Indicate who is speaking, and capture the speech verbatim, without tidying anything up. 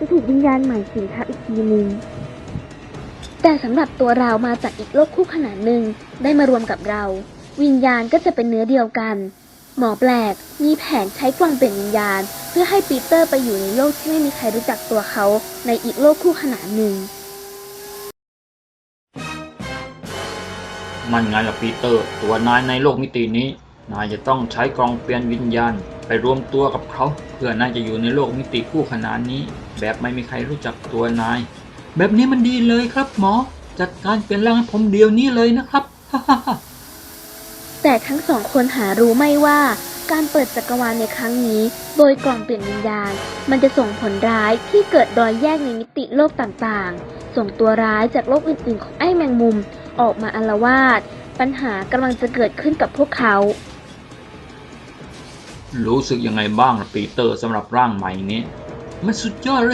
Speaker 1: จะถูกวิญญาณใหม่สิงทับอีกทีนึงแต่สำหรับตัวเรามาจากอีกโลกคู่ขนานหนึ่งได้มารวมกับเราวิญญาณก็จะเป็นเนื้อเดียวกันหมอแปลกมีแผนใช้กล่องเปลี่ยนวิญญาณเพื่อให้ปีเตอร์ไปอยู่ในโลกที่ไม่มีใครรู้จักตัวเขาในอีกโลกคู่ขนานหนึ่ง
Speaker 2: มันไงล่ะปีเตอร์ตัวนายในโลกมิตินี้นายจะต้องใช้กล่องเปลี่ยนวิญญาณไปรวมตัวกับเขาเพื่อนายจะอยู่ในโลกมิติคู่ขนานนี้แบบไม่มีใครรู้จักตัวนายแบบนี้มันดีเลยครับหมอจัดการเปลี่ยนร่างให้ผมเดี๋ยวนี้เลยนะครับ
Speaker 1: แต่ทั้งสองคนหารู้ไม่ว่าการเปิดจักรวาลในครั้งนี้โดยกล่องเปลี่ยนวิญญาณมันจะส่งผลร้ายที่เกิดรอยแยกในมิติโลกต่างๆส่งตัวร้ายจากโลกอื่นๆของไอ้แมงมุมออกมาอาละวาดปัญหากำลังจะเกิดขึ้นกับพวกเขา
Speaker 2: รู้สึกยังไงบ้างล่ะปีเตอร์สำหรับร่างใหม่นี้มันสุดยอดเลย